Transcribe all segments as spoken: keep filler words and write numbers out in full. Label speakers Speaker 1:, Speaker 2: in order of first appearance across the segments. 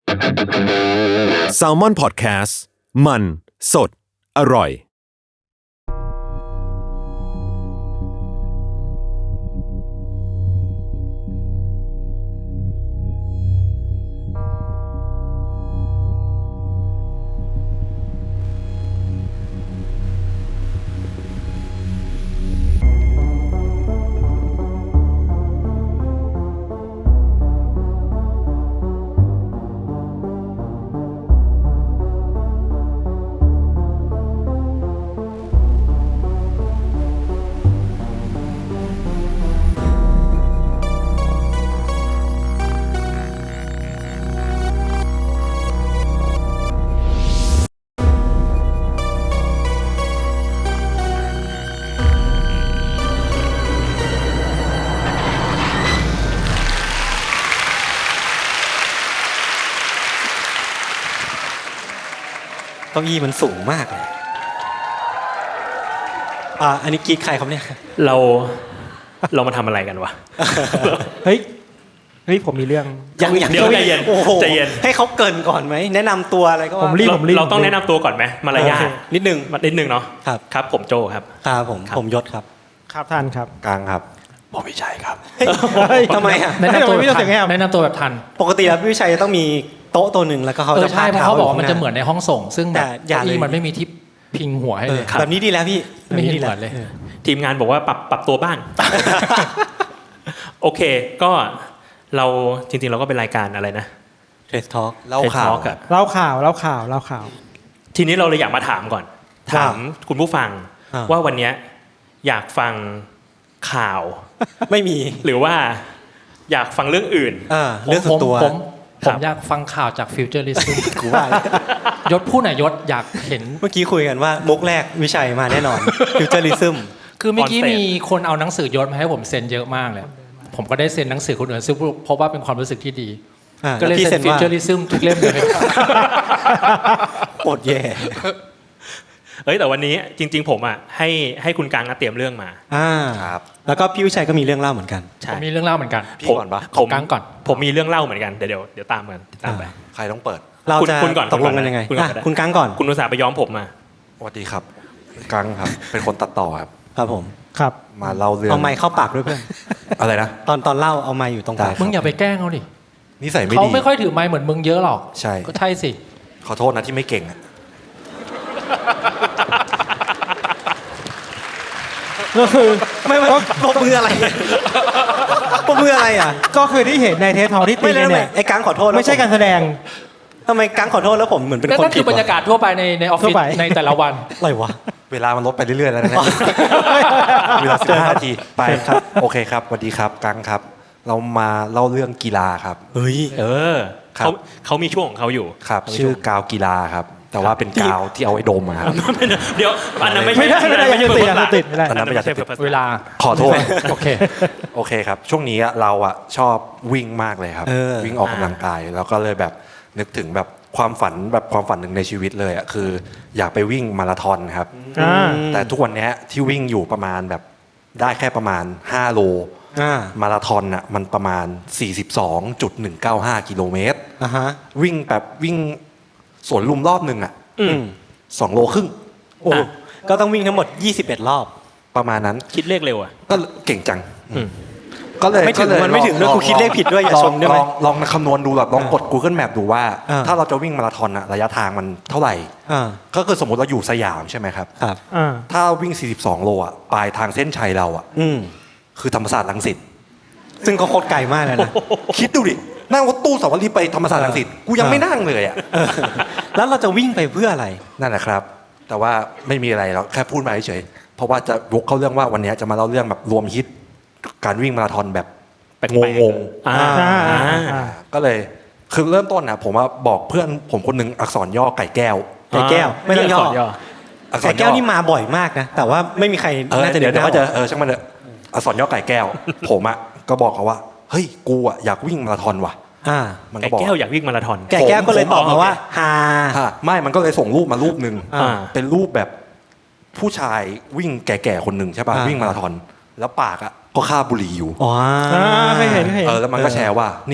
Speaker 1: Salmon Podcast มันสดอร่อย
Speaker 2: เก้าอี้มันสูงมากเลยอ่าอันนี้กรีดใครครับเนี่ย
Speaker 3: เราเรามาทำอะไรกันวะ
Speaker 4: เฮ้ยเฮ้ยผมมีเรื่อง
Speaker 2: ยังยัง
Speaker 3: เดี๋ยวใจเย็น
Speaker 2: โอ้โห
Speaker 3: ใจเย็น
Speaker 2: ให้เขาเกริ่นก่อนไหมแนะนำตัวอะไรก็ว่า
Speaker 4: ผมรีบผมรีบ
Speaker 3: เราต้องแนะนำตัวก่อนไหมมารยาท
Speaker 2: นิดนึง
Speaker 3: นิดนึงเนาะ
Speaker 2: ครับ
Speaker 3: ครับผมโจครับ
Speaker 2: ครับผม
Speaker 3: ครับ
Speaker 2: ผมยศครับ
Speaker 4: ครับท่านครับ
Speaker 5: กลางครับ
Speaker 3: ผมวิชัยครับ
Speaker 2: เฮ้ยทำไมอ่ะ
Speaker 4: แนะนำตัวแบบทัน
Speaker 6: แนะนำตัวแบบทัน
Speaker 2: ปกติแล้วพี่วิชัยจะต้องมีโต๊ะตัวหนึ่งแล้วก็เขา
Speaker 6: เออ
Speaker 2: จะ
Speaker 6: ใช่เพราะเขาบอกว่ามันจะเหมือนในห้องส่ง ซึ่งแบบ
Speaker 2: อย่า
Speaker 6: เก้า
Speaker 2: เลย
Speaker 6: อี้มันไม่มีที่พิงหัวให้
Speaker 2: เอ
Speaker 6: เล
Speaker 2: อย แบบนี้ดีแล้วพี่
Speaker 6: ไม่เห็น
Speaker 2: แบบดี
Speaker 6: เหมือนเลย
Speaker 3: ทีมงานบอกว่าปรับปรับตัวบ้าง โอเคก็เราจริงๆเราก็เป็นรายการอะไรนะ
Speaker 2: เทสทอล์ก
Speaker 5: เล่าข่าว
Speaker 3: Talk อะ
Speaker 4: เล่าข่าวเล่าข่าวเล่าข่าว
Speaker 3: ทีนี้เราเลยอยากมาถามก่อน ถามคุณผู้ฟังว่าวันนี้อยากฟังข่าว
Speaker 2: ไม่มี
Speaker 3: หรือว่าอยากฟังเรื่องอื่น
Speaker 2: อ่าเรื่องส่วนตัว
Speaker 6: ผมผ
Speaker 3: ครั
Speaker 6: ม
Speaker 3: บ
Speaker 6: อยากฟังข่าวจากฟิวเจอริซึม
Speaker 2: กูว่าแล้ว
Speaker 6: ยศพูดหน่อยยศอยากเห็น
Speaker 2: เมื่อกี้คุยกันว่ามุกแรกวิชัยมาแน่นอนฟิวเจอริซึม
Speaker 6: คือเมื่อกี้
Speaker 3: On stage
Speaker 6: มีคนเอาหนังสือยศมาให้ผมเซ็นเยอะมากเลย ผมก็ได้เซ็นหนังสือคนอื่นซึ่งเพราะว่าเป็นความรู้สึกที่ดี ก็เลยเซ็นฟิวเจอริซึมทุกเล่มเลย
Speaker 2: โอดแย่
Speaker 3: เอ้ยแต่วันนี้จริง ๆ ผมอ่ะให้ให้คุณกังนะเตรียมเรื่องมา
Speaker 2: อ่า
Speaker 5: ครับ
Speaker 2: แล้วก็พี่วิชัยก็มีเรื่องเล่าเหมือนกัน
Speaker 3: ใช่
Speaker 6: ผมมีเรื่องเล่าเหมือนกัน
Speaker 5: พี่ก่อนปะ
Speaker 3: ผม
Speaker 6: กังก่อน
Speaker 3: ผมมีเรื่องเล่าเหมือนกันเดี๋ยวเดี๋ยวเดี๋ยวตามกันตามไป
Speaker 5: ใครต้องเปิด
Speaker 2: เรา
Speaker 3: คุณ
Speaker 2: จะ
Speaker 3: คุณก่อน
Speaker 2: ตกลงกันยังไง
Speaker 3: คุณก่อน
Speaker 2: อ่ะ
Speaker 3: ก็ได้
Speaker 2: คุณกังก่อน
Speaker 3: คุณอุตส่าห์ไปย้อมผมมา
Speaker 5: สวัสดีครับกลางครับ เป็นคนตัดต่อครับ
Speaker 2: ครับผม
Speaker 4: ครับ
Speaker 5: มาเล่าเรื่อง
Speaker 2: เอาไม้เข้าปากด้วยเพื่อน
Speaker 5: อะไรนะ
Speaker 2: ตอนตอนเล่าเอาไม้อยู่ตรงปาก
Speaker 5: ได้
Speaker 6: มึงอย่าไปแกล้งเขาดิ
Speaker 5: นิสัยไม่
Speaker 6: เขา
Speaker 5: ดี
Speaker 6: ไม่ค่อยถือไม้เหมือนมึงเยอะหรอก
Speaker 5: ใช่
Speaker 6: ก็ใช่สิ
Speaker 5: ขอโทษนะที่ไม่เก่งอะ
Speaker 4: ก็คือ
Speaker 2: ไม่ไม่ปมมืออะไรปมมืออะไรอ่ะ
Speaker 4: ก็คือที่เห็นในเทสทอที่ตี
Speaker 2: ไม่เลย
Speaker 4: กัน
Speaker 2: ไม่
Speaker 4: เนี่ย
Speaker 2: ไอ้กังขอโทษ
Speaker 4: ไม่ใช่การแสดง
Speaker 2: ทำไมกังขอโทษแล้วผมเหมือนเป็น
Speaker 6: นั่น
Speaker 2: คน
Speaker 6: นั่นคือบรรยากาศทั่วไปในในออฟฟิศ
Speaker 4: ทั่วไป
Speaker 6: ในแต่ละวัน
Speaker 2: อะไรวะ
Speaker 5: เวลามันลดไปเรื่อยๆแล้วนะเนี่ยเวลาสิบห้านาทีไปครับ โอเคครับสวัสดีครับกลางครับ เรามาเล่าเรื่องกีฬาครับ
Speaker 2: เฮ้ย
Speaker 3: เออ
Speaker 5: ครับ
Speaker 3: เขาเขามีช่วงของเขาอยู่
Speaker 5: ครับ
Speaker 3: เขามี
Speaker 5: ชื่อ
Speaker 3: วง
Speaker 5: กาวกีฬาครับ แต่ว่าเป็นกาวที่เอาไว้ดมอะครับ
Speaker 3: เดี๋ยวอันนั้นไม่
Speaker 4: ไม่
Speaker 3: ใช่
Speaker 4: ได้ไม่ได้
Speaker 3: ไม่
Speaker 4: อย่า
Speaker 3: ใช่
Speaker 4: ติด
Speaker 3: เปิ
Speaker 4: อย่า
Speaker 3: ด
Speaker 4: ติดไม่ได้
Speaker 5: อันนั้นไม่อยากจะติด
Speaker 6: เวลา
Speaker 5: ขอโทษ
Speaker 6: โอเค
Speaker 5: โอเคครับ ช่วงนี้อะเราอะชอบวิ่งมากเลยครับ
Speaker 2: เออ
Speaker 5: วิ่งออกกำลังกายแล้วก็เลยแบบนึกถึงแบบความฝันแบบความฝันหนึ่งในชีวิตเลยอะคืออยากไปวิ่งมาราธอนครับ
Speaker 4: อ่า
Speaker 5: แต่ทุกวันเนี้ยที่วิ่งอยู่ประมาณแบบได้แค่ประมาณห้าโล
Speaker 2: อ่า
Speaker 5: มาราธอนอ่ะมันประมาณ สี่สิบสองจุดหนึ่งเก้าห้า กิโลเมตร
Speaker 2: อ่าฮะ
Speaker 5: วิ่งแบบวิ่งสวนลุมรอบหนึ่งอ่ะ
Speaker 3: อืม
Speaker 5: สองโลครึ่ง
Speaker 2: โอ้ก็ต้องวิ่งทั้งหมดยี่สิบเอ็ดรอบ
Speaker 5: ประมาณนั้น
Speaker 3: คิดเลขเร็วอ่ะ
Speaker 5: ก็เก่งจัง
Speaker 3: อืม
Speaker 5: ก็เลย
Speaker 2: ไม่ถึง
Speaker 5: ก็เลย
Speaker 2: มันไม่ถึงด้วย
Speaker 5: ลอ
Speaker 2: กูคิดเลขผิดด้วยอย่า
Speaker 5: ลง
Speaker 2: ชมได้ไหม
Speaker 5: ลองลองคำนวณดูแบบลองกด Google Map ดูว่า
Speaker 2: อ่า
Speaker 5: ถ้าเราจะวิ่งมาราธอนอะระยะทางมันเท่าไหร่
Speaker 2: อ่า
Speaker 5: ก็คือสมมติเราอยู่สยามใช่ไหมครับ
Speaker 2: ครับ
Speaker 4: อ่า
Speaker 5: ถ้าวิ่ง สี่สิบสอง โลอะปลายทางเส้นชัยเราอะ
Speaker 2: อืม
Speaker 5: คือธรรมศาสตร์รังสิต
Speaker 2: ซึ่งก็โคตรไกลมากเลยนะ
Speaker 5: คิดดูดิ นั่งรถตู้สาวรีไปธรรมศาสตร์รังสิตกูยังไม่นั่งเลยอ่ะ
Speaker 2: เออแล้วเราจะวิ่งไปเพื่ออะไร
Speaker 5: นั่นแหละครับ แต่ว่าไม่มีอะไรเราแค่พูดมาเฉยๆเพราะว่าจะวกเข้าเรื่องว่าวันนี้จะมาเล่าเรื่องแบบรวมฮิตการวิ่งมาราธอนแบบ
Speaker 3: แปลก
Speaker 5: ง
Speaker 3: ๆ
Speaker 5: ง
Speaker 3: อ่า
Speaker 4: อ่า
Speaker 3: อ่า
Speaker 4: อ่า
Speaker 5: ๆก็เลยคือเริ่มต้นนะผมว่าบอกเพื่อนผมคนหนึงอักษรย่อไก่แก้ว
Speaker 2: ไก่แก้วไม่ต้องย่อ
Speaker 3: เรียก
Speaker 5: อักษ
Speaker 2: ไก่
Speaker 5: ร
Speaker 2: แก้
Speaker 5: ย่
Speaker 2: ว
Speaker 5: อ
Speaker 2: นี่มาบ่อยมากนะ แต่ว่าไม่มีใคร
Speaker 5: เออ
Speaker 2: น่าจะ
Speaker 5: เดี๋ยวเดี๋ยว
Speaker 2: นึ
Speaker 5: เขา
Speaker 2: ก
Speaker 5: จะ
Speaker 2: ได้
Speaker 5: เออช่างมันเถอะอักษรย่อไก่แก้ว ผมอ่ะก็บอกเขาว่าเฮ้ยกูอ่ะอยากวิ่งมาราธอนว่ะ
Speaker 2: อ่า
Speaker 5: มัน
Speaker 3: ไก่
Speaker 5: ก็บอก
Speaker 3: แก้วอยากวิ่งมาราธอน
Speaker 2: ไก่แก้วก็เลยตอบมาว่าฮา
Speaker 5: ฮะไม่มันก็เลยส่งรูปมารูปหนึ่ง
Speaker 2: อ่า
Speaker 5: เป็นรูปแบบผู้ชายวิ่งแก่ๆคนหนึ่งใช่ป่ะ
Speaker 2: อ่า
Speaker 5: วิ่งมาราธอนแล้วปากอ่ะก็คาบบุหรี่อยู่
Speaker 2: อ๋อ
Speaker 4: อ่าเคยเห็นเคยเห็น
Speaker 5: เออแล้วมันก็แชร์ว่าเนี่ย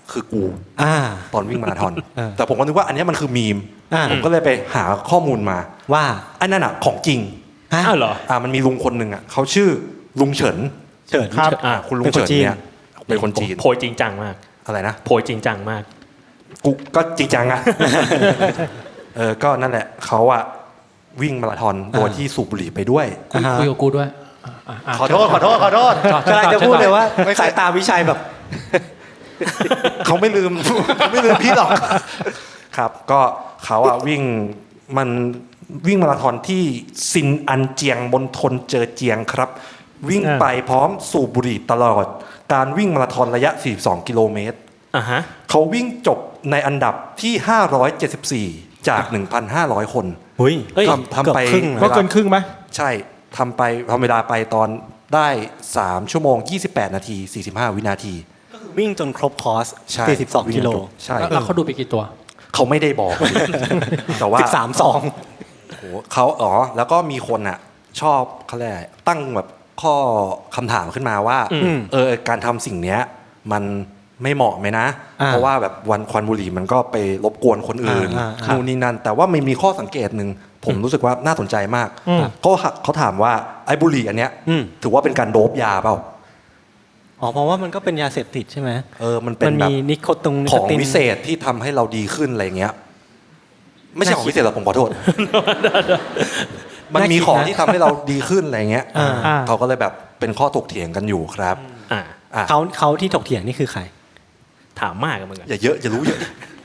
Speaker 5: คือกู
Speaker 2: อ่า
Speaker 5: ตอนวิ่งมาราธอน
Speaker 2: เออ
Speaker 5: แต่ผมก็นึกว่าอันเนี้ยมันคือมีม
Speaker 2: อ่า
Speaker 5: ผมก็เลยไปหาข้อมูลมา
Speaker 2: ว่า
Speaker 5: อันนั้นอ่ะของจริง
Speaker 2: ฮะ
Speaker 3: อ้าวเหรอ
Speaker 5: อ่ามันมีลุงคนหนึ่งอ่ะเขาชื่อลุงเฉิน
Speaker 2: เฉิน
Speaker 4: ครับ
Speaker 5: อ่าคุณลุง
Speaker 2: เป็นคน
Speaker 5: เฉิน
Speaker 2: จีน
Speaker 5: เนี่ยเป็นคนจีน
Speaker 3: โพยจริงจังมาก
Speaker 5: อะไรนะ
Speaker 3: โพยจริงจังมาก
Speaker 5: กูก็จริงจังอะ เออก็นั่นแหละเขาอะวิ่งมาราธอนโดยที่สูบบุหรี่ไปด้วย
Speaker 2: อ่าฮะ
Speaker 6: คุยกับกูด้วยอ่ะอ่ะอ่ะ
Speaker 5: ขอโทษขอโทษขอโทษ
Speaker 2: กำลังจะพูดเลยว่าสายตาวิชัยแบบ
Speaker 5: เขาไม่ลืม เขาไม่ลืมพี่หรอก ครับ ก็เขาอะวิ่งมันวิ่งมาราธอนที่ซินอันเจียงมณฑลเจอเจียงครับ วิ่งไปพร้อมสูบบุหรี่ตลอด การวิ่งมาราธอนระยะ สี่สิบสอง กิโลเมตร
Speaker 3: อ่าฮะ
Speaker 5: เขาวิ่งจบในอันดับที่ ห้าร้อยเจ็ดสิบสี่ จาก หนึ่งพันห้าร้อย คน
Speaker 2: หุ้ย
Speaker 5: ทำทำไป
Speaker 2: เกือบครึ่ง
Speaker 4: ก็เกินครึ่งไหม
Speaker 5: ใช่ทำไปทำเวลาไปตอนได้ สาม ชั่วโมง ยี่สิบแปด นาที สี่สิบห้า วินาที
Speaker 2: วิ่งจนครบคอร์ส
Speaker 5: ใช่
Speaker 2: สี่สิบสองกิโล
Speaker 5: ใช่
Speaker 6: แล้วแล้วเขาดูไปกี่ตัว
Speaker 5: เขาไม่ได้บอก แต่ว่า
Speaker 2: สิบสามสอง
Speaker 5: โหเขาอ๋อ แล้วก็มีคนอ่ะ ชอบเขาเรียกอะไรตั้งแบบข้อคำถามขึ้นมาว่า
Speaker 3: อืม
Speaker 5: เออการทำสิ่งเนี้ย มันไม่เหมาะไหมนะ เพราะว่าแบบวันควันบุหรี่มันก็ไปรบกวนคนอื่น
Speaker 2: อ่าอ่า
Speaker 5: นู่นนี่นั่น แต่ว่ามันมีข้อสังเกตหนึ่งผมรู้สึกว่าน่าสนใจมาก
Speaker 4: อืม
Speaker 5: เขาเขาถามว่าไอ้บุหรี่อันเนี้ย
Speaker 2: อืม
Speaker 5: ถือว่าเป็นการโดบยาเปล่า
Speaker 2: อ๋อเพราะว่ามันก็เป็นยาเสพติดใช่ไหม
Speaker 5: เออมันเป็น
Speaker 2: มัน
Speaker 5: แบ
Speaker 2: มี
Speaker 5: บ
Speaker 2: นิโคตินนิ
Speaker 5: ข
Speaker 2: โค
Speaker 5: อง
Speaker 2: ติน
Speaker 5: วิเศษที่ทำให้เราดีขึ้นอะไรเงี้ย ไม่ใช่ของวิเศษหรอกผมขอโทษ มันมีของที่ทำให้เราดีขึ้นอะไรเงี้ย
Speaker 2: อ่า
Speaker 4: อ่า
Speaker 5: เขาก็เลยแบบเป็นข้อถกเถียงกันอยู่ครับ
Speaker 3: อ่า
Speaker 5: อ่ะ
Speaker 2: เขาเขาที่ถกเถียงนี่คือใคร
Speaker 3: ถามมากกันเหมือนกัน
Speaker 5: อย่าเยอะอย่ารู้เยอะ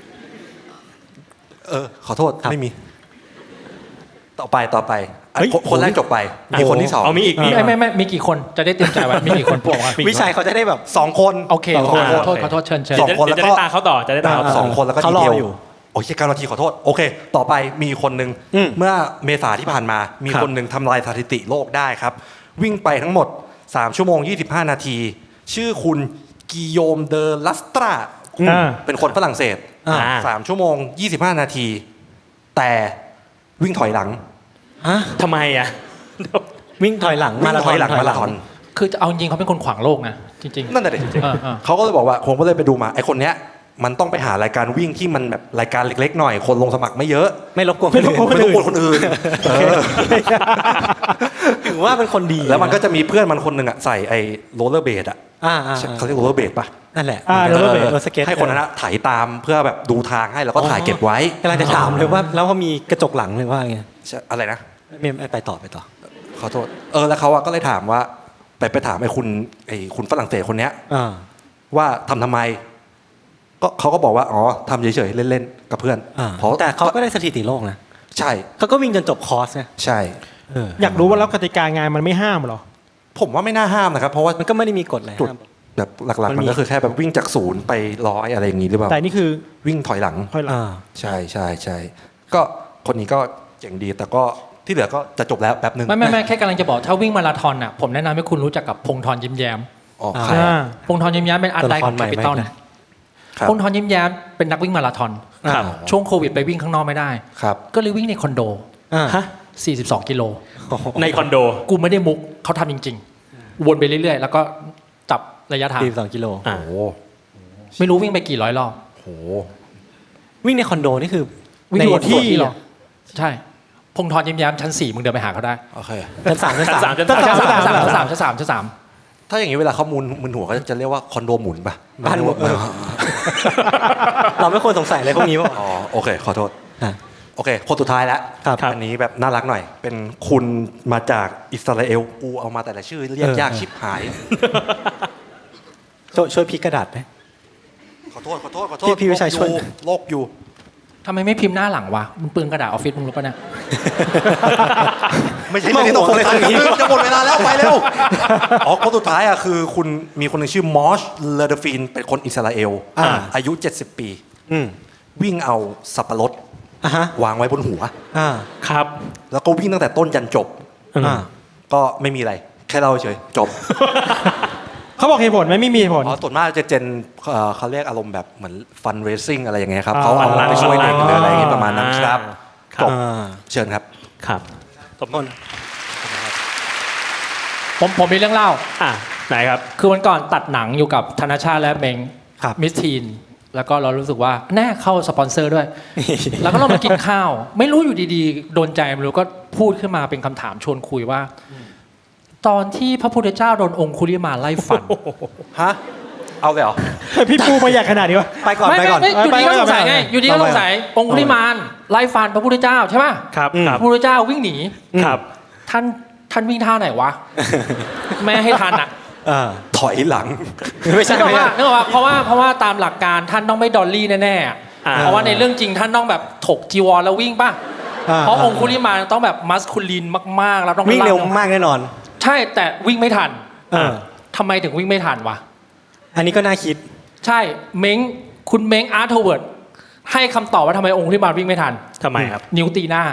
Speaker 5: เออ ขอโทษ
Speaker 2: ครับ
Speaker 5: ไม่มี ต่อไปต่อไปอ่ะ
Speaker 2: เฮ้ย
Speaker 5: คนคนแรกจบไป มีคนที่สอง
Speaker 3: เอามีอีกมี
Speaker 6: ไม่ไม่ไม่มีกี่คนจะได้เตรียมใจไว้มีกี่คนพวกว่า
Speaker 2: วิชัยเขาจะได้แบบ
Speaker 5: สองคน
Speaker 6: โอเค
Speaker 5: สอง
Speaker 6: ข
Speaker 5: ค
Speaker 6: อน โทษขอโทษเชิญเชิญ
Speaker 5: สองคน
Speaker 3: เดี๋ยว
Speaker 5: แล้ว
Speaker 3: จะ
Speaker 5: ก็
Speaker 3: ได้ตาเขาต่อจะได้ตาเขาต่อ
Speaker 5: สองคนแล้วก็
Speaker 2: เขา
Speaker 5: ดี
Speaker 2: รอ
Speaker 5: เทล
Speaker 2: อยู่
Speaker 5: โอ้ยเก้านาทีขอโทษ โอเค ต่อไปมีคนหนึ่ง
Speaker 2: อืม
Speaker 5: เมื่อเมษาที่ผ่านมา มี
Speaker 2: ครับ
Speaker 5: คนหนึ่งทำลายสถิติโลกได้ครับ วิ่งไปทั้งหมด สาม ชั่วโมง ยี่สิบห้า นาที ชื่อคุณกิโยมเดอลัสตรา
Speaker 4: อ่า
Speaker 5: เป็นคนฝรั่งเศส
Speaker 2: อ่า
Speaker 5: สามชั่วโมง ยี่สิบห้า นาที แต่วิ่งถอยหลัง
Speaker 2: ฮะ
Speaker 3: ทำไมอ่ะ
Speaker 2: วิ่งถอยหลัง
Speaker 5: วิ่งถอยหลังมาราธอน
Speaker 6: คือจะเอาจริงๆเขาเป็นคนขวางโลกนะจริง
Speaker 5: นั่นแหละดิ
Speaker 6: เออเออ
Speaker 5: เขาก็เลยบอกว่าผมก็เลยไปดูมาไอ้คนเนี้ยมันต้องไปหารายการวิ่งที่มันแบบรายการเล็กๆหน่อยคนลงสมัครไม่เยอะ
Speaker 2: ไม่รบกวน
Speaker 4: ไม่รบกวน
Speaker 5: ไม่ต้องกลัวคนอื่นเออ
Speaker 2: ถือว่าเป็นคนดี
Speaker 5: แล้วมันก็จะมีเพื่อนมันคนหนึ่งอ่ะใส่ไอ้โรลเลอร์เบดอ่ะ
Speaker 2: อ่าอ่า
Speaker 5: เขาเรียกโรลเลอร์เบดป่ะ
Speaker 2: นั่นแหละ
Speaker 4: อ่า rollerblade
Speaker 2: รถสเก็ต
Speaker 5: ให้คนนั้นอะถ่ายตามเพื่อแบบดูทางให้แล้วก็ถ่ายเก็บไว้
Speaker 2: กำลังจะถามเลยว่าแล้วเขามีกระจกหลังเลยว่าไง
Speaker 5: ใช่อะไรนะ
Speaker 2: ไม่ไม่ไปต่อไปต่อ
Speaker 5: ขอโทษเออแล้วเขาอะก็เลยถามว่า ไปไปถามไอ้คุณไอ้คุณฝรั่งเศสคนเนี้ย
Speaker 2: อ่า
Speaker 5: ว่าทำทำไม ก็เขาก็บอกว่าอ๋อทำเฉยๆเล่นๆกับเพื่อน
Speaker 2: อ่า
Speaker 5: เพราะ
Speaker 2: แต่เขาก็ได้สถิติโลกนะ
Speaker 5: ใช่
Speaker 2: เขาก็วิ่งจนจบคอร์สนะ
Speaker 5: ใช่
Speaker 2: เออ
Speaker 4: อยากรู้ว่าแล้วกติกางานมันไม่ห้ามเหรอ
Speaker 5: ผมว่าไม่น่าห้ามนะครับ เพราะว่า
Speaker 2: มันก็ไม่ได้มีกฎอะไร
Speaker 5: จุด
Speaker 2: ห้าม
Speaker 5: แบบหลักๆ
Speaker 2: มั
Speaker 5: มัน น
Speaker 2: มี
Speaker 5: ก็คือแค่แบบวิ่งจากศูนย์ไปร้อยอะไรอย่างงี้หรือเปล่า
Speaker 4: แต่นี่คือ
Speaker 5: วิ่งถอยหลัง
Speaker 4: ค่อยหลัง
Speaker 2: อ่า
Speaker 5: ใช่ใช่ใช่ก็คนนี้ก็เจ๋งดี แต่ก็ที่เหลือก็จะจบแล้วแป๊บนึง
Speaker 6: ไม่ไม่ไม่แค่กำลังจะบอกถ้าวิ่งมาราธอนอ่ะผมแนะนำให้คุณรู้จักกับพงษ์ธรยิ้มแย้ม
Speaker 5: อ๋อ
Speaker 2: อ่า
Speaker 5: ใคร
Speaker 4: อ่า
Speaker 6: พงษ์ธรยิ้มแย้มเป็นอาร์ตไลน์ของ
Speaker 2: ตัว
Speaker 6: แค
Speaker 2: ละครใหม่
Speaker 6: ปิตอล
Speaker 2: ไหม
Speaker 5: ครับ
Speaker 6: พงษ์ธรยิ้มแย้มเป็นนักวิ่งมาราธอน
Speaker 2: ครับ
Speaker 6: ช่วงโควิดไปวิ่งข้างนอกไม่ได้
Speaker 5: ครับ
Speaker 6: ก็เลยวิ่งในคอนโด
Speaker 2: อ่า
Speaker 3: ฮะ
Speaker 6: สี่สิบสอง กิโล
Speaker 3: ในคอนโด
Speaker 6: กูไม่ได้มุกเขาทำจริง ๆ วนไปเรื่อยๆ แล้วก็จับระยะทาง
Speaker 2: สี่สิบสองกิโล
Speaker 3: อ่า
Speaker 5: โอ้โห
Speaker 6: ไม่รู้วิ่งไปกี่ร้อยรอบ
Speaker 5: โห
Speaker 2: วิ่งในคอนโดนี่คือ
Speaker 6: วิ่ง
Speaker 2: ใน
Speaker 6: วน
Speaker 2: ที่
Speaker 6: ที่หรอใช่พงษ์ธรยิ้มแย้มชั้นสี่มึงเดินไปหาเขาได้
Speaker 5: โอเค
Speaker 2: ชั้นสามชั้นสาม
Speaker 3: ชั้นสาม
Speaker 6: ชั้นสามชั้นสามชั้นสามชั้นสามชั้นสาม
Speaker 5: ถ้าอย่างนี้เวลาเขามุนมุนหัวก็จะเรียกว่าคอนโดหมุนป่ะ
Speaker 2: บ้านหมุน เราไม่ควรสงสัยอะไรพวกนี้ป่ะ
Speaker 5: อ๋อโอเค ขอโทษ
Speaker 2: อ่ะ
Speaker 5: โอเค คนสุดท้ายแล้ว
Speaker 2: ครับ
Speaker 5: อันนี้แบบน่ารักหน่อย เป็นคุณมาจากอิสราเอลกูเอามาแต่ละชื่อเรียก
Speaker 2: เออ
Speaker 5: ยากชิบหาย
Speaker 2: ช่วยช่วยพลิกกระดาษไหม
Speaker 5: ขอโทษขอโทษขอโท
Speaker 2: พี่
Speaker 5: ษ
Speaker 2: พี่วิชัยช่วย
Speaker 5: โลกอยู่
Speaker 6: ทำไมไม่พิมพ์หน้าหลังวะมึงเปลืองกระดาษออฟฟิศมึงรู้ปะเนี่ย
Speaker 5: ไม่ใช่ไม่ได้ตกเลยจะหมดเวลาแล้วไปเร็วอ๋อคนสุดท้ายอ่ะคือคุณมีคนหนึ่งชื่อมอชเลเดฟินเป็นคนอิสราเอล
Speaker 2: อ่า
Speaker 5: อายุเจ็ดสิบปี
Speaker 2: อืม
Speaker 5: วิ่งเอาสับปะรด
Speaker 2: อ่ะฮะ
Speaker 5: วางไว้บนหัว
Speaker 2: อ่า
Speaker 3: ครับ
Speaker 5: แล้วก็วิ่งตั้งแต่ต้นยันจบ
Speaker 2: อ่า
Speaker 5: ก็ไม่มีอะไร แค่เล่าเฉยจบ
Speaker 4: เขาบอกเหตุผลไหมไม่มีเหตุผล
Speaker 5: อ๋อส่วนมากจะเจนเอ่อเขาเรียกอารมณ์แบบเหมือนฟันเรซิ่งอะไรอย่างเงี้ยครับ
Speaker 4: อ่า
Speaker 5: เขาเอาไปช่วยเด็กหรืออะไรอย่างเงี้ยประมาณนั้นครับ
Speaker 3: ค
Speaker 5: จ
Speaker 3: รับบ
Speaker 2: อ่า
Speaker 5: เชิญครับ
Speaker 3: ครับตบมือ
Speaker 6: ผมผมมีเรื่องเล่า
Speaker 3: อ่ะไหนครับ
Speaker 6: คือวันก่อนตัดหนังอยู่กับธนชาติและเมง
Speaker 2: ครับ
Speaker 6: มิสทีนแล้วก็เรารู้สึกว่าแน่เข้าสปอนเซอร์ด้วย แล้วก็เรามากินข้าว ไม่รู้อยู่ดีๆโดนใจไม่รู้ก็พูดขึ้นมาเป็นคำถามชวนคุยว่า ตอนที่พระพุทธเจ้าโดนองคุลิมานไล่ฟัน
Speaker 2: ฮะเอาเลยเหรอ
Speaker 4: พี่ปูมาอยากขนาดนี้วะ
Speaker 2: ไปก่อน
Speaker 6: ไม่
Speaker 2: ไปก่อน
Speaker 6: ไม่อยู่ดีก็สงสัยไง
Speaker 4: ไปก่อน
Speaker 6: อยู่ดีก็สงสัยองคุลิมานไล่ฟันพระพุทธเจ้าใช่ป่ะ
Speaker 3: ครับค
Speaker 6: พ
Speaker 3: รับ
Speaker 6: ระพุทธเจ้าวิ่งหนี
Speaker 3: ครับ
Speaker 6: ท่านท่านวิ่งท่าไหนวะ แม่ให้ทันอ่ะ
Speaker 2: อ่าถอยหลัง ไม่ใช่
Speaker 6: นึกออก
Speaker 2: ไม่
Speaker 6: ว่า
Speaker 2: ใช่
Speaker 6: นึกออกว่าเพราะว่าเพราะว่าตามหลักการท่านต้องไม่ดอลลี่แน่ๆอะ
Speaker 3: อ่า
Speaker 6: เพราะว่าในเรื่องจริงท่านต้องแบบถกจีวรแล้ววิ่งป่ะ
Speaker 2: อ่า
Speaker 6: เพราะองคุลิมานต้องแบบมัสคูลีนมากๆแล้วต้อง
Speaker 2: วิ่งเร็ว
Speaker 6: ล่
Speaker 2: มากแน่นอน
Speaker 6: ใช่แต่วิ่งไม่ทัน
Speaker 2: เออ
Speaker 6: ทำไมถึงวิ่งไม่ทันวะ
Speaker 2: อันนี้ก็น่าคิด
Speaker 6: ใช่เม้งคุณเม้งอาร์ทเวิร์ดให้คำตอบว่าทำไมองคุลิมานวิ่งไม่ทัน
Speaker 3: ทำไมครับ
Speaker 6: นิ้วตีหน้า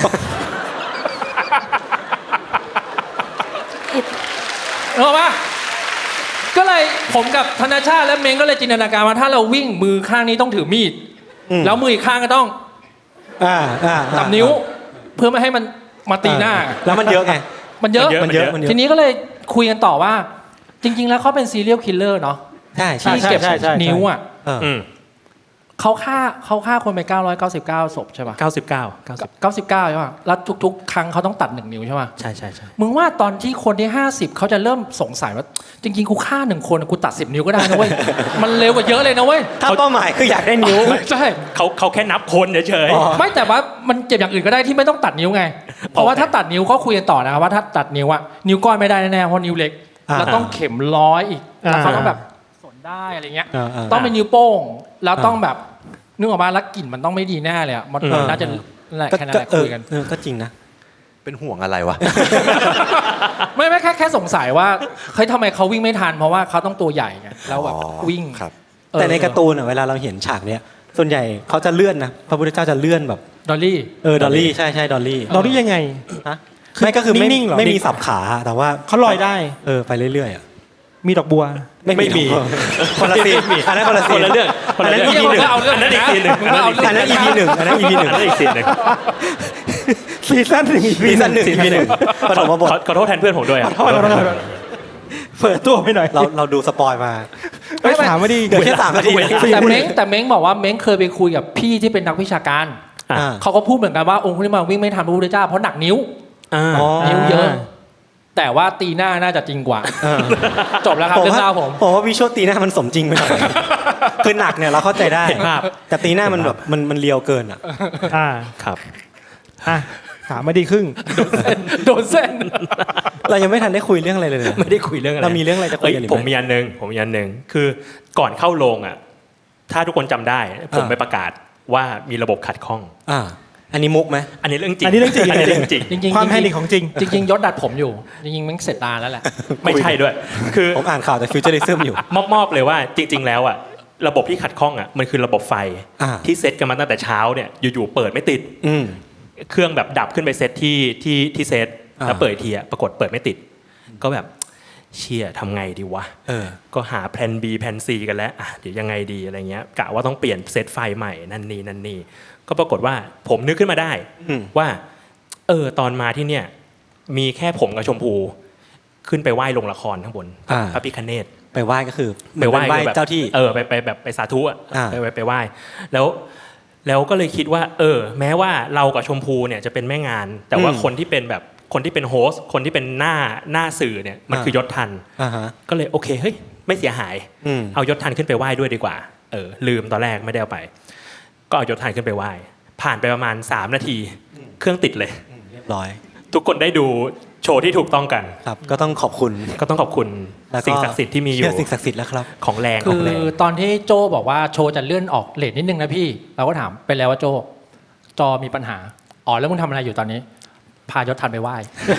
Speaker 6: เออปะก็เลยผมกับธนชาติและเม้งก็เลยจินตนาการว่าถ้าเราวิ่งมือข้างนี้ต้องถือมีด
Speaker 2: อืม
Speaker 6: แล้วมืออีกข้างก็ต้อง
Speaker 2: อ่าอ่า
Speaker 6: จับนิ้ว เพื่อไม่ให้มันมาตีหน้า
Speaker 2: แล้วมันเยอะไง
Speaker 6: มันเยอะ
Speaker 2: มันเยอะมันเยอะ
Speaker 6: ทีนี้ก็เลยคุยกันต่อว่า จริง ๆ แล้วเขาเป็นซีเรียลคิลเลอร์เนาะ
Speaker 2: ใช่ใช่
Speaker 6: ที่เก็บนิ้วอ่ะ
Speaker 2: เออ
Speaker 3: อืม
Speaker 6: เขาฆ่าเขาฆ่าคนไปเก้าร้อยเก้าสิบเก้าศพใช่ป่ะ
Speaker 3: เก้าสิบเก้า เก้าสิบ
Speaker 6: เก้าสิบเก้าใช่ป่ะแล้วทุกๆ ครั้งเขาต้องตัดหนึ่งนิ้วใช่ป่ะ
Speaker 3: ใช่ใช่ใช่
Speaker 6: มึงว่าตอนที่คนที่ห้าสิบเขาจะเริ่มสงสัยว่า จริงๆกูฆ่าหนึ่งคนกูตัดสิบนิ้วก็ได้นะเว้ย มันเร็วกว่าเยอะเลยนะเว้ย
Speaker 2: ถ้าเป้าหมายคืออยากได้นิ้ว
Speaker 6: ใช่
Speaker 3: เขาเขาแค่นับคนเฉย
Speaker 2: อ๋อ
Speaker 6: ไม่แต่ว่ามันเจ็บอย่างอื่นก็ได้ที่ไม่ต้องตัดนิ้วไง เพราะว่าถ้าตัดนิ้วก็คุยกันต่อนะครับว่าถ้าตัดนิ้วอะนิ้วก้อยไม่ได้แน่ๆเพราะนิ้วเล็ก
Speaker 2: อ่า
Speaker 6: แล้วต้องเข็มร้อยอีกแล้วเขา
Speaker 4: อ่า
Speaker 6: ต้องแบบสนได้อะไรเงี้ย
Speaker 2: อ่าอ่า
Speaker 6: ต้องเป็นนิ้วโป้งแล้วต้องแบบนึกออกมาแล้วกลิ่นมันต้องไม่ดีแน่เลยอะมัน
Speaker 2: อืม
Speaker 6: น่าจะนั่นแหละ
Speaker 2: ก็
Speaker 6: แค่นั้น
Speaker 2: ก็
Speaker 6: แหละ
Speaker 2: เออ
Speaker 6: คุยกัน
Speaker 2: เออก็จริงนะ
Speaker 7: เป็นห่วงอะไรวะ
Speaker 6: ไม่ไม่แค่แค่สงสัยว่าเฮ้ยทำไมเขาวิ่งไม่ทันเพราะว่าเขาต้องตัวใหญ่ไงแล้วแบบ
Speaker 7: อ๋อ
Speaker 6: วิ่ง
Speaker 7: ครับ
Speaker 6: เออ
Speaker 2: แต่ในการ์ตูนอะเวลาเราเห็นฉากเนี้ยส่วนใหญ่เขาจะเลื่อนนะพระพุทธเจ้าจะเลื่อนแบบ
Speaker 6: ดอลลี่
Speaker 2: เออดอลลี่ใช่ใช่ดอลลี่
Speaker 4: เราได้ยังไง
Speaker 2: ฮะไม่ก็คือไม่
Speaker 4: นิ่งๆเหรอ
Speaker 2: ไม่มีสับขาแต่ว่า
Speaker 4: เขาลอยได้
Speaker 2: เออไปเรื่อยๆอ่ะ
Speaker 4: มีดอกบัว
Speaker 2: ไม่มีคนละซีนอันนั้นคนละซี
Speaker 3: คน นละเรื่องคนละเรื่อง
Speaker 2: อันนั้น EP หนึ่ง
Speaker 6: เอาเรื่อง
Speaker 3: อันนั้นอีกซีนหนึ่ง
Speaker 6: มึงก็เอาเรื่อง
Speaker 2: อันนั้น อี พี หนึ่งอันนั้น อี พี หนึ่ง
Speaker 3: อันนั้นอีกซีนหนึ่ง
Speaker 4: ซีซั่นหนึ่ง
Speaker 2: ซีซั่นหนึ่ง อี พี หนึ่งปฐมบท
Speaker 3: ขอขอโทษแทนเพื่อนผมด้วยอ่ะ
Speaker 4: โทษโทษโทษโทษเปิดตัวไปหน่อย
Speaker 2: เราเราดูสปอยมา
Speaker 4: ไม่ถามมาดิ
Speaker 2: เดี๋ยวแค่สามนาที
Speaker 6: แต่เม้งแต่เม้งบอกว่าเม้งเคยไปคุยกับพี่ที่เป็นนักวิชาการ
Speaker 2: อ่า
Speaker 6: เขาก็พูดเหมือนกันว่าองค์คุลิมานวิ่งไม่ทันพระพุทธเจ้าเพราะหนักนิ้ว
Speaker 3: อ่า
Speaker 2: อ๋อ
Speaker 6: นิ้วเยอะ แต่ว่าตีหน้าน่าจะจริงกว่า
Speaker 2: เออ
Speaker 6: จบแล้วครับเรื่องราวผม
Speaker 2: ผมว่าวิชวลตีหน้ามันสมจริงไปหน่อยคือหนักเนี่ยเราเข้าใจได้
Speaker 3: เห็นภาพ
Speaker 2: แต่ตีหน้ามันแบบมันมันเลียวเกินอ่ะ
Speaker 4: อ่า
Speaker 3: ครับ
Speaker 4: อ่ะสามนาทีครึ่ง
Speaker 6: โดนเส้น
Speaker 2: เรายังไม่ทันได้คุยเรื่องอะไรเลยนะ
Speaker 3: ไม่ได้คุยเรื่องอะไร
Speaker 2: เรามีเรื่องอะไรจะคุยกันอีกไหม
Speaker 3: เผมมีอันหนึ่งผมมีอันหนึ่งคือก่อนเข้าโรงอ่ะ ถ้าทุกคนจำได้ ผม
Speaker 2: อ่า
Speaker 3: ไปประกาศว่ามีระบบขัดข้อง
Speaker 2: อ่าอันนี้มุกไหม
Speaker 3: อันนี้เรื่องจริง
Speaker 4: อันนี้เรื่องจริง
Speaker 3: อันนี้เรื่องจริง
Speaker 6: จริงๆ
Speaker 4: ความแพนิคของจริง
Speaker 6: จริงๆยศดัดผมอยู่ จริงๆมันเสร็จนานแล้วแหละ
Speaker 3: ไม่ใช่ด้วย คือ
Speaker 2: ผมอ่านข่าวแต่ฟิวเจอริซึมอยู่
Speaker 3: มอบมอบเลยว่าจริง ๆ แล้วอ่ะระบบที่ขัดข้องอ่ะมันคือระบบไฟ
Speaker 2: อ่า
Speaker 3: ที่เซตกันมาตั้งแต่เช้าเนี่ยอยู่ๆเปิดไม่ติด
Speaker 2: อืม
Speaker 3: เครื่องแบบดับขึ้นไปเซตที่ที่ที่เซต
Speaker 2: อ่า
Speaker 3: แล้วเปิดอีกทีอ่ะปรากฏเปิดไม่ติด ก็แบบเชี่ยทำไงดีวะ
Speaker 2: เออ
Speaker 3: ก็หาแผน B แผน C กันแล้วอ่ะเดี๋ยวยังไงดีอะไรเงี้ยกะว่าต้องเปลี่ยนเซตไฟใหม่นั่นนี่นั่นนี่ก็ปรากฏว่าผมนึกขึ้นมาได้
Speaker 2: อืม
Speaker 3: ว่าเออตอนมาที่เนี่ยมีแค่ผมกับชมพูขึ้นไปไหว้ลงละครข้างบน
Speaker 2: อ่า
Speaker 3: พระพิฆเนศ
Speaker 2: ไปไหว้ก็คือ
Speaker 3: ไปไหว้
Speaker 2: เหมือนเป็นไหว้
Speaker 3: แบบ
Speaker 2: เจ้าที่
Speaker 3: เออไปไปแบบไปสาธุอ่ะ
Speaker 2: อ่า
Speaker 3: ไปไปไปไหว้แล้วแล้วก็เลยคิดว่า เออ แม้ว่าเรากับชมพูเนี่ยจะเป็นแม่งาน แต่ว่าคนที่เป็นแบบคนที่เป็นโฮสต์คนที่เป็นหน้าหน้าสื่อเนี่ยมันคือยศทัน
Speaker 2: อ่าฮะ
Speaker 3: ก็เลยโอเคเฮ้ยไม่เสียหาย
Speaker 2: อืม
Speaker 3: เอายศทันขึ้นไปไหว้ด้วยดีกว่าเออลืมตอนแรกไม่ได้เอาไป ก็เอายศทันขึ้นไปไหว้ผ่านไปประมาณสามนาที เครื่องติดเลย
Speaker 2: เรียบร้อย
Speaker 3: ทุกคนได้ดูโชว์ที่ถูกต้องกัน
Speaker 2: ครับก็ต้องขอบคุณ
Speaker 3: ก็ต้องขอบคุณ
Speaker 2: แล้วก็
Speaker 3: สิ่งศักดิ์สิทธิ์ที่มีอยู่
Speaker 2: เชื่อสิ่งศักดิ์สิทธิ์แล้วครับ
Speaker 3: ของแรงข
Speaker 6: คื
Speaker 3: อง
Speaker 6: อ
Speaker 3: แรง
Speaker 6: ตอนที่โจบอกว่าโชว์จะเลื่อนออกเลทนิดนึงนะพี่ เราก็ถามไปแล้วว่าโจจอมีปัญหาอ๋อแล้วมึงทำอะไรอยู่ตอนนี้ พายศทันไปไหว้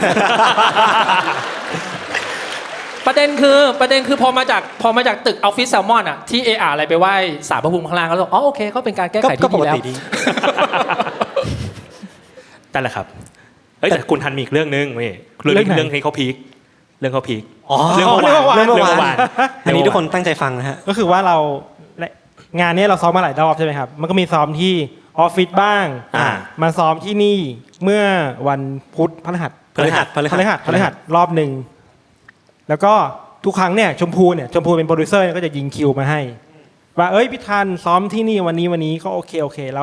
Speaker 6: ประเด็นคือประเด็นคือพอมาจากพอมาจากตึกออฟฟิศแซลมอนอ่ะที่เออาอะไรไปไหว้สารพระภูมิข้างล่างก็เลยอ๋อโอเคก็เป็นการแก้ไข
Speaker 2: ก็
Speaker 6: ที่
Speaker 2: ป
Speaker 6: ดี
Speaker 2: ก
Speaker 6: แล้ว
Speaker 2: ติดี
Speaker 3: นั่นแหละครับเฮ้ยแต่คุณทันมีอีกเรื่องนึงเว้ยเรื่อง
Speaker 4: เรื่องไหน
Speaker 3: เรื่องที่เขาพีคเรื่องเขาพีค
Speaker 2: อ๋อ
Speaker 3: เรื่องเมื่อวาน
Speaker 2: เรื่องเมื่อ
Speaker 3: เรื่องเมื่อ
Speaker 2: วาว
Speaker 3: าน น
Speaker 2: อันนี้ทุกคนตั้งใจฟังนะฮะ
Speaker 4: ก็คือว่าเราและงานนี้เราซ้อมมาหลายรอบใช่ไหมครับ มันก็มีซ้อมที่ออฟฟิศบ้าง
Speaker 3: อ่า
Speaker 4: มาซ้อมที่นี่เมื่อวันพุธพฤหัส
Speaker 2: พฤหัสพฤ
Speaker 4: พฤหัสพฤหัสรอบหนึ่งแล้วก็ทุกครั้งเนี่ยชมพูเนี่ยชมพูเป็นโปรดิวเซอร์เนี่ยก็จะยิงคิวมาให้ว่าเอ้ยพี่ทันซ้อมที่นี่วันนี้วันนี้ก็โอเคโอเคแล้ว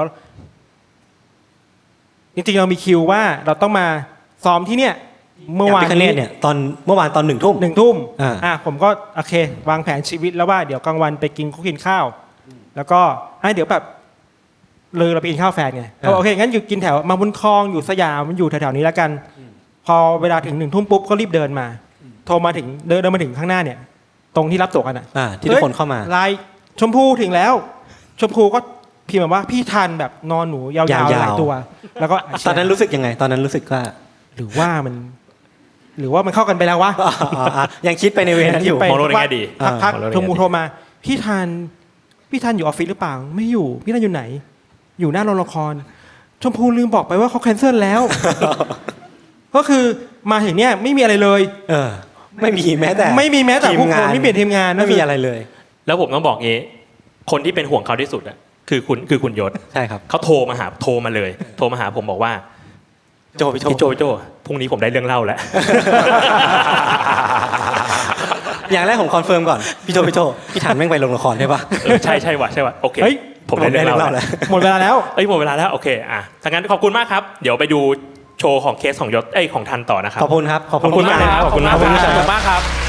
Speaker 4: จริงๆเรามีคิวว่าเราต้องมาซ้อมที่เนี่ยเมื่อวาน
Speaker 2: พิคเนตเนี่ยตอนเมื่อวานตอนหนึ่งทุ่ม
Speaker 4: หนึ่งทุ่ม
Speaker 2: อ่า
Speaker 4: อ่ะผมก็โอเควางแผนชีวิตแล้วว่าเดี๋ยวกลางวันไปกินข้าวกินข้าว แล้วก็อ่ะเดี๋ยวแบบเลยเราไปกินข้าวแฟนไงเขาบอกโอเคงั้นอยู่กินแถวมาบุญคลองอยู่สยามมันอยู่แถวๆนี้แล้วกัน พอเวลาถึงหนึ่งทุ่มปุ๊บก็รีบเดินมา โทรมาถึงเดินเดินมาถึงข้างหน้าเนี่ย ตรงที่รับตั๋วกันอ่ะ
Speaker 2: อ่าที่ทุกคนเข้ามา
Speaker 4: ไลน์ชมพูถึงแล้ว ชมพูก็พิมพ์มาว่าพี่ทันแบบนอนหนูยาวๆ
Speaker 2: ยาวๆ
Speaker 4: หลายตัว แล้วก็
Speaker 2: ตอนนั้นรู้สึกยังไง ตอนนั้นรู้สึกว่า
Speaker 4: หรือว่ามัน หรือว่ามันเข้ากันไปแล้ววะ
Speaker 2: อ่าอ่าอ่ายังคิดไปในเวนั้นอยู่
Speaker 4: ไป
Speaker 3: มองโลกในแง่ดี
Speaker 4: พักพัก
Speaker 3: มองโลกในแง่ดี
Speaker 4: ชมพูโทรมา พี่ทันพี่ทันอยู่ออฟฟิศหรือเปล่าไม่อยู่พี่ทันอยู่ไหน อยู่หน้าโรงละคร ชมพูลืมบอกไปว่าเขาแคนเซิลแล้ว ก็คือมาถึงเนี่ยไม่มีอะไรเลย
Speaker 2: เออ ไม่มีแม้แต่
Speaker 4: ไม่มีแม้แต่
Speaker 2: ที
Speaker 4: ผู้
Speaker 2: งา
Speaker 4: คน
Speaker 2: น
Speaker 4: ไม่เปลี่ยนทีมงาน
Speaker 2: ไม่มีอะไรเลย
Speaker 3: แล้วผมต้องบอกงี้ คนที่เป็นห่วงเขาที่สุดอะคือคุณคือคุณยศ
Speaker 2: ใช่ครับ
Speaker 3: เขาโทรมาหาโทรมาเลย โทรมาหาผมบอกว่า
Speaker 2: โจพี่โจ
Speaker 3: พี่โจพี่โจพรุ่งนี้ผมได้เรื่องเล่าแล้ว
Speaker 2: อย่างแรกผมคอนเฟิร์มก่อนพี่โจพี่โจพี่ถันแม่งไปลงละครใช่ปะ
Speaker 3: เออใช่ใช่ว่ะใช่ว่ะโอเค
Speaker 4: เฮ้ย
Speaker 3: ผมได้เรื่องเล่า
Speaker 2: ผมได้เรื่องเล่าแล้
Speaker 3: แล้ว
Speaker 2: ว
Speaker 4: หมดเวลาแล้ว
Speaker 3: เอ้ยหมดเวลาแล้วโอเคอ่ะถ้างั้นขอบคุณมากครับ เดี๋ยวไปดูโชว์ของเคสของยศเอ้ยของทันต่อนะครับ
Speaker 2: ขอบคุณครับ ขอบ
Speaker 3: ขอบคุณมาก
Speaker 2: เลย
Speaker 3: ครับขอบคุณมาก
Speaker 2: ขอบคุณ
Speaker 3: ขอบ
Speaker 2: ค
Speaker 3: คุ
Speaker 2: รับ
Speaker 3: ณมากครับ